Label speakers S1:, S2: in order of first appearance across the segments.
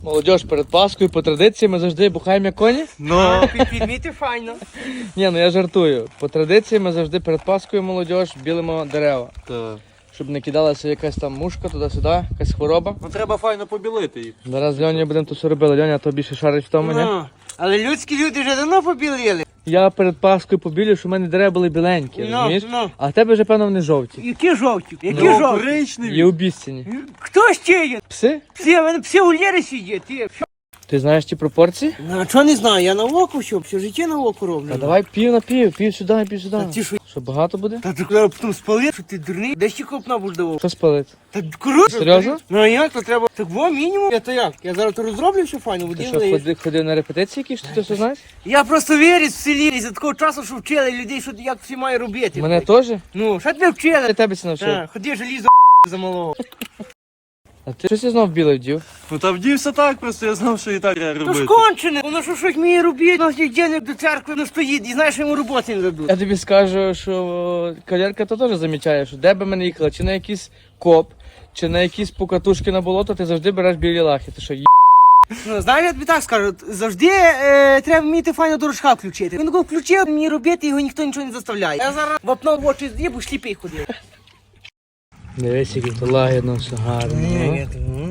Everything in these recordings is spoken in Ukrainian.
S1: Молодіж, перед Паскою по традиції ми завжди бухаємо як коні.
S2: Ну, підміти файно.
S1: Ні, ну я жартую. По традиції ми завжди перед Паскою молодіж білимо дерева.
S2: Так.
S1: Щоб не кидалася якась там мушка туди-сюди, якась хвороба.
S2: Ну треба файно побілити їх.
S1: Зараз з Льонею будемо тут все робили. Льоня, то більше шарить в тому, ні?
S2: Ну, але людські люди вже давно побілили.
S1: Я перед Паскою побілю, що в мене дерева були біленькі,
S2: Ну,
S1: розумієш?
S2: ну.
S1: А в тебе вже, певно, вони жовті.
S2: Які жовті? Які
S1: Ну,
S2: жовті?
S1: Є
S2: Коричневі.
S1: обіцяні.
S2: Хто ще є?
S1: Пси?
S2: Пси, вони пси у Лєри сидять. Ти.
S1: Ти знаєш ті пропорції?
S2: Ну, а чого не знаю, я на око все життя на око роблю.
S1: Та давай пів на пів, пів сюди, пів сюди.
S2: Та ти що?
S1: Що, багато буде?
S2: Та ти коли потім спалив, що ти дурний? Де ще копна будеш давав?
S1: Що спалити?
S2: Та коротше.
S1: Серйозно?
S2: Ну а як, то треба. Так во, мінімум. Я то як? Я зараз то розроблю все файно,
S1: Ти
S2: один
S1: що,
S2: лиєш.
S1: ходив на репетиції якісь, що ти все знаєш?
S2: Я просто вірюсь в селі, і за такого часу, що вчили людей, що як всі має робити.
S1: Мене теж?
S2: Ну, що тебе вчили?
S1: Я тебе це навчив.
S2: Так, ходи желізо за малого.
S1: А ти щось я знов білий вдів?
S3: Ну та вдівся так, просто я знав, що і так треба
S2: То
S3: робити.
S2: ж кончене, воно що щось вміє робити, у нас є денег до церкви не стоїть, і знаєш, що йому роботи не дадуть.
S1: Я тобі скажу, що кавалерка то теж замічає, що де би мене їхала, чи на якийсь коп, чи на якісь покатушки на болото, ти завжди береш білі лахи. Ти що,
S2: Ну, знаєш, я тобі так скажу, завжди треба вміти файно дорожка включити. Він його включив, мені робити, його ніхто нічого не заставляє. Я зараз вапно в очі з'їбу, сліпий ходив.
S1: дивись, який то лагідно, все гарно.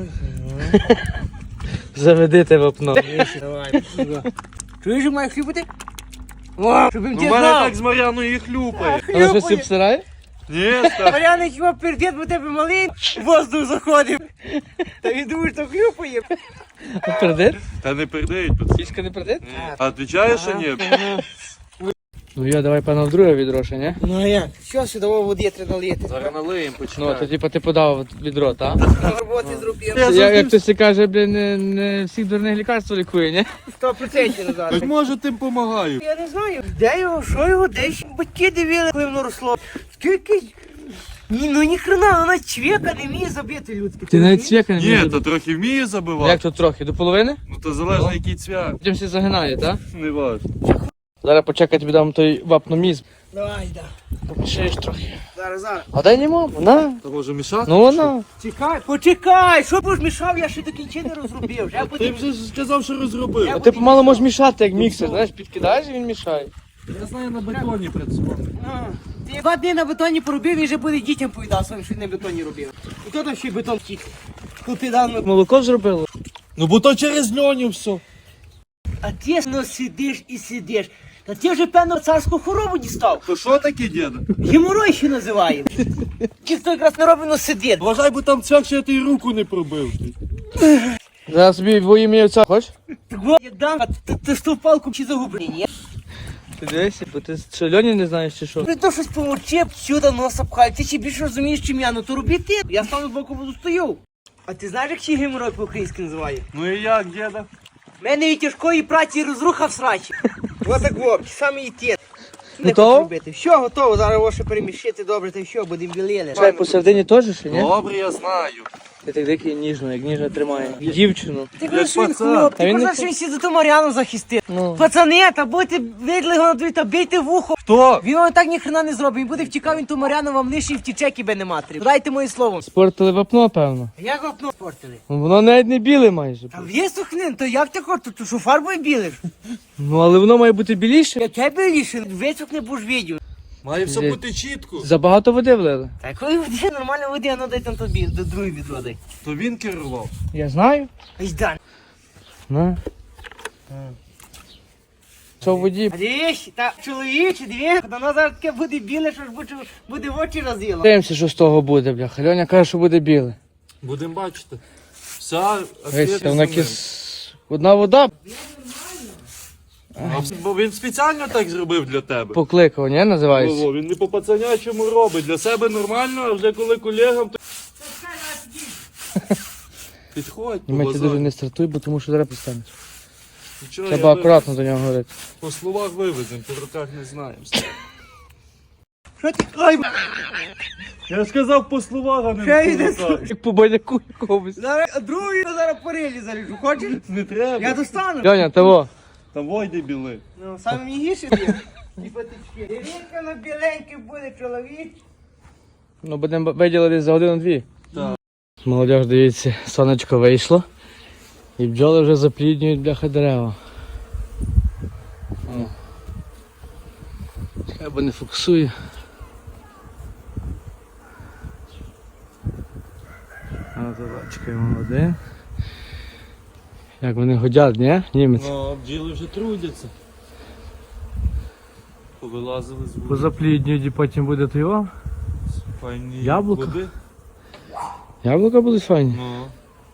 S1: Заведи те вапно.
S2: Давай. Чуєш, що має хлюпати? О, щоб він
S3: Ну,
S2: тебе
S3: в мене
S2: знав.
S3: так з Мар'яною і хлюпає.
S1: Але що всі обсирає?
S3: Ні, ста.
S2: Мар'яна хіба пердет, бо тебе малий воздух заходив. Та він думає, що хлюпає.
S1: А пердить?
S3: Та не передають, пацан.
S1: Сіська не пердить?
S3: А відвічаєш, що ні?
S1: Ну я давай певно в друге відро, ще, ні?
S2: Ну а як? Що сюди води треба налити?
S3: Зараз налиємо,
S1: Ну,
S3: почекай.
S1: то типа ти подав відро, так?
S2: Роботи зробив.
S1: Як хтось каже, блін, не всіх дурних лікарств лікує, ні?
S2: 100% назад.
S3: Так може тим помагаю.
S2: Я не знаю, де його, що його, десь батьки дивили, коли воно росло. Скільки? Ні, ну ніхрена, вона чвека не вміє забити людське.
S1: Ти навіть цвяка не
S3: Ні,
S1: вмієш.
S3: то трохи вміє забивати.
S1: Як тут трохи? До половини?
S3: Ну то залежно який цвях.
S1: Потім всі загинає, так?
S3: Не важно.
S1: Зараз почекай, тобі дам той вапномізм.
S2: Давай, да.
S1: Помішаєш трохи.
S2: Зараз.
S1: А дай не маму, на.
S3: То може мішати?
S1: Ну вона.
S2: Чекай, почекай, що б ж мішав, я ще до кінця не розробив. Вже
S3: Ти
S2: буде.
S3: вже сказав, що розробив.
S1: А ти помало можеш мішати, як міксер, знаєш, підкидаєш і він мішає.
S3: Я знаю, на бетоні працював.
S2: Ти 2 дні на бетоні поробив, він вже буде дітям повідав своїм, що на бетоні робив. І хто там ще й бетон втік? Купідав.
S1: Молоко зробило.
S3: Ну бо то через льоню все.
S2: А ти ну сидиш і сидиш. Та ти вже певно царську хворобу дістав.
S3: То що таке, діда?
S2: Геморой ще називає. Ті, хто якраз не робить, но сидить.
S3: Вважай, бо там цвях, що я тобі руку не пробив.
S1: Зараз собі во ім'я отця, хочеш?
S2: Так вот, як дам, а ти ж ту палку чи загублені, ні?
S1: Ти дивися, бо ти що, Льоні не знаєш чи що?
S2: При то щось помовчи, сюди носа пхай. Ти ще більше розумієш, чим я, ну то роби ти. Я стану з боку буду стою. А ти знаєш, як ще геморой по-українськи називає?
S3: Ну і як, діда?
S2: В мене від тяжкої праці розруха в срачі. Ось так во, саме і ті.
S1: Готово?
S2: Все готово, зараз його ще перемішити добре, та й все, будемо білили.
S1: Чай посередині теж ще, ні?
S3: Добре, я знаю.
S1: Ти так дикий ніжно, як ніжно тримає. Дівчину.
S2: Ти кажеш, що він
S3: пацан.
S2: хлоп,
S1: Та
S2: ти
S1: він не
S2: кажеш, що він сі за ту Мар'яну захистив.
S1: Ну.
S2: Пацани, та будьте видли його на дві, та бійте вухо.
S3: Хто?
S2: Він вам так ніхрена не зробить, він буде втікав, він ту Мар'яну вам лише і втіче, кіби не матері. Дайте моє слово.
S1: Спортили вапно, певно.
S2: Як вапно спортили?
S1: Ну, воно навіть не біле майже.
S2: Та є сухнин, то як ти хочеш, то що фарбою білиш?
S1: Ну, але воно має бути біліше.
S2: Яке біліше, висохне будеш відео.
S3: Має все
S1: Де?
S3: бути чітко.
S1: Забагато води влили.
S2: Та коли води, нормально води, а ну дай там тобі, до другої відводи.
S3: То він керував.
S1: Я знаю.
S2: Дай.
S1: На. Що в воді?
S2: А дивись, та чоловіче, дивись, воно зараз таке буде біле, що ж буде в очі роз'їло.
S1: Дивимося, що з того буде, бляха. Льоня каже, що буде біле.
S3: Будемо бачити. Вся
S1: Дивись, вона одна вода
S3: Бо він спеціально так зробив для тебе.
S1: покликав, ні, називається?
S3: Він не по пацанячому робить. Для себе нормально, а вже коли колегам, то... Підходь,
S1: І ми ти дуже
S3: побазар.
S1: не стартуй, бо тому що зараз пристанеш.
S3: Нічого,
S1: Треба
S3: я
S1: акуратно до нього говорити.
S3: по словах вивеземо, по руках не знаємо.
S2: Що ти?
S3: Ай, я сказав по словах, а не
S2: Що
S3: по
S2: йде?
S3: руках.
S1: Як по баняку якомусь.
S2: Зараз, а другий зараз порилі заріжу, хочеш?
S3: Не треба.
S2: Я достану.
S1: Льоня, того.
S3: Там войди біли.
S2: Ну, саме мігіше є. І потички. Дивіться, на біленький буде чоловік.
S1: Ну, будемо виділити за годину-дві.
S3: Так.
S1: Молодіж, дивіться, сонечко вийшло. І бджоли вже запліднюють бляха дерева. О. Хай би не фокусує. А то чекаємо один. Як вони годять, ні? Німець.
S3: Ну, бджіли вже трудяться. Повилазили з води.
S1: Позапліднюють і потім буде то його.
S3: Файні
S1: Яблука?
S3: води.
S1: Яблука будуть файні.
S3: Ну.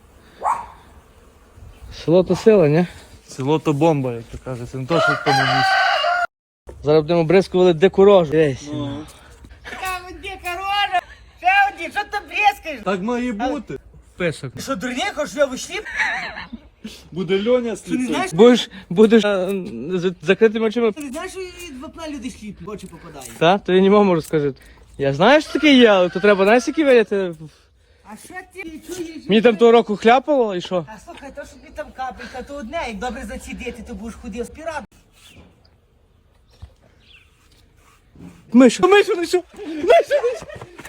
S1: Село то сила, ні?
S3: Село то бомба, як то кажеться, не то, що в тому місці.
S1: Зараз будемо бризкували дику рожу. Дивись.
S3: Ну.
S2: Та де корона? Ще один, що ти брезкаєш?
S3: Так має бути.
S1: Писок.
S2: Ти що, дурний, хочеш, що я вийшлі?
S3: Буде Льоня з
S2: Ти не знаєш,
S1: Будеш з закритими очима.
S2: ти не знаєш, що від вапна люди сліпі, в очі попадають.
S1: Та? То я не можу розкажити. Я знаю, що таке є, але то треба, знаєш, які варіати.
S2: А що ти чуєш?
S1: Мені там того року хляпало і що?
S2: А слухай, то, що тобі там капелька, то одне, як добре зацідити, то будеш ходив спірат.
S1: Мишу, мишу, мишу! Мишу, мишу!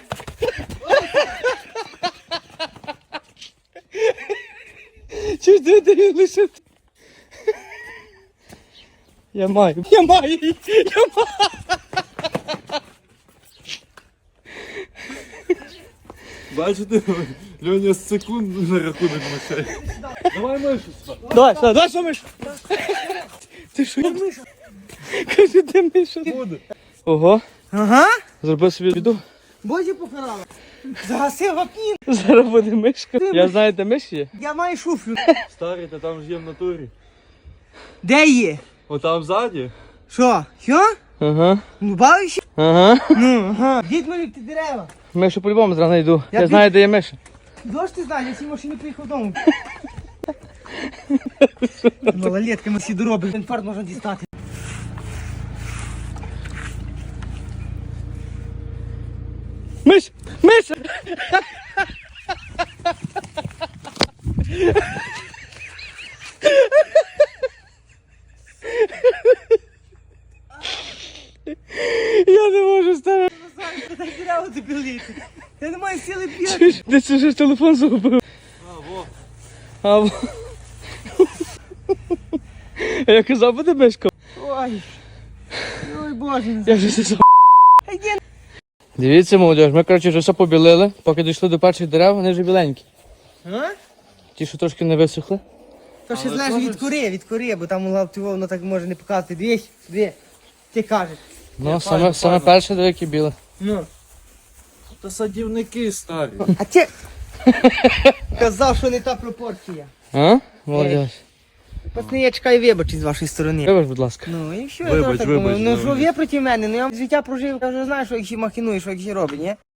S1: Чуть ти лишити? Я маю.
S3: Бачите, Льоня з секунд на рахунок мишей. Давай мишу сюди.
S1: Давай, що мишу? Ти що? Я мишу. Кажи, ти мишу.
S3: Буде.
S1: Ого,
S2: Ага,
S1: зробив собі біду.
S2: бозі покарала. Загасив вапні.
S1: Зараз буде мишка. Я знаю, де миш є.
S2: Я маю шуфлю.
S3: Старий, та там ж є в натурі.
S2: Де є?
S3: Отам ззаді.
S2: Що? Що?
S1: Ага,
S2: Ну, бавишся?
S1: ага.
S2: Ну, ага. Дід мої ті дерева.
S1: Мишу по-любому зрано йду.
S2: Я
S1: Я знаю, де є миша.
S2: Дощ ти знаєш, я цій машині приїхав додому. Малолетки ми всі доробили. Інфаркт можна дістати.
S1: Миш! Миша! Я не можу ставити.
S2: Дай дерева добілити. Я не маю сили бігати.
S1: Ти це вже телефон загубив. А, во. А я казав, буде мишка.
S2: Ой. Ой, боже.
S1: Я вже сісав.
S2: Йди.
S1: Дивіться, молодь, ми, коротше, вже все побілили. Поки дійшли до перших дерев, вони вже біленькі.
S2: А?
S1: Ті, що трошки не висохли.
S2: То ще знаєш від кори, бо там воно так може не показати. Дві. Ти кажеш.
S1: Ну, саме перше, де які біле.
S2: Ну.
S3: Та садівники старі.
S2: А ти казав, що не та пропорція.
S1: А? Молодь.
S2: Пацани, я чекаю вибачень з вашої сторони.
S1: Вибач, будь ласка.
S2: Ну і що
S3: Вибач,
S2: я так
S3: вибач,
S2: думаю? Ну
S3: вибач.
S2: що ви проти мене? Ну я життя прожив, я вже знаю, що їх ще махінує, що їх ще робить, ні?